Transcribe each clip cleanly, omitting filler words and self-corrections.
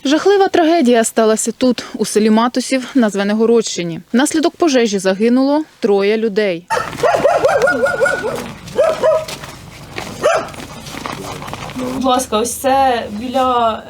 Жахлива трагедія сталася тут, у селі Матусів на Звенигородщині. Внаслідок пожежі загинуло 3 людей. Будь ласка, ось це біля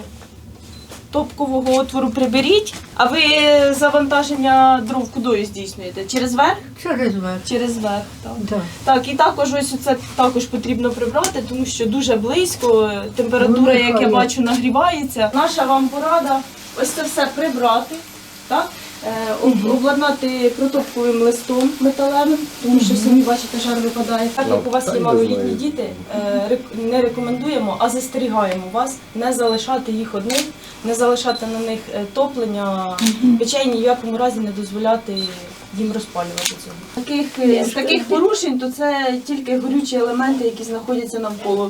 топкового отвору приберіть. А ви завантаження дров кудою здійснюєте? Через верх? Через верх. Через верх, так. Да. Так, і також ось це також потрібно прибрати, тому що дуже близько, температура, як я бачу, нагрівається. Наша вам порада ось це все прибрати, так? Обладнати протопковим листом металевим, тому що самі бачите, жар випадає. Так як у вас є малолітні діти, не рекомендуємо, а застерігаємо вас не залишати їх одних, не залишати на них топлення, печей ні в якому разі не дозволяти їм розпалювати цього. З таких порушень, то це тільки горючі елементи, які знаходяться навколо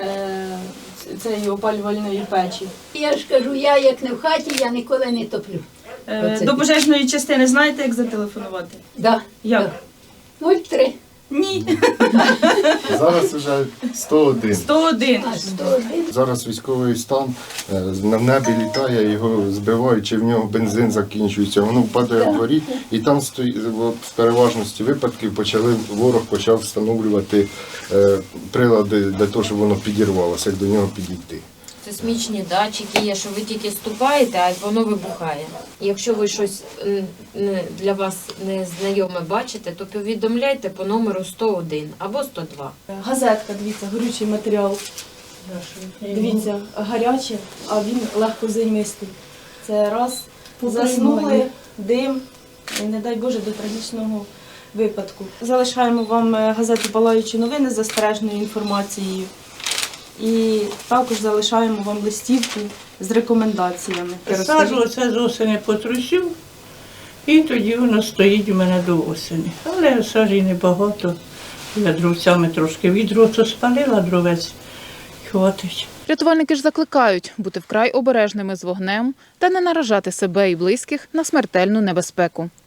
цієї опалювальної печі. Я ж кажу, я як не в хаті, я ніколи не топлю. До пожежної частини знаєте, як зателефонувати? Да. Як? 03. Ні. Зараз вже 101. 101. А 101. Зараз військовий стан, на небі літає, його збивають, чи в нього бензин закінчується, воно впадає в дворі, і там в переважності випадків ворог почав встановлювати прилади для того, щоб воно підірвалося, як до нього підійти. Сейсмічні датчики є, що ви тільки ступаєте, а воно вибухає. Якщо ви щось для вас незнайоме бачите, то повідомляйте по номеру 101 або 102. Газетка, дивіться, горючий матеріал. Дивіться, гаряче, а він легкозаймистий. Це раз, заснули, дим, і не дай Боже, до трагічного випадку. Залишаємо вам газету «Палаючі новини» з застережною інформацією. І також залишаємо вам листівку з рекомендаціями. Саджу оце з осені потрусив, і тоді воно стоїть у мене до осені. Але сажі небагато, я дровцями трошки відро, то спалила дровець, хватить. Рятувальники ж закликають бути вкрай обережними з вогнем та не наражати себе і близьких на смертельну небезпеку.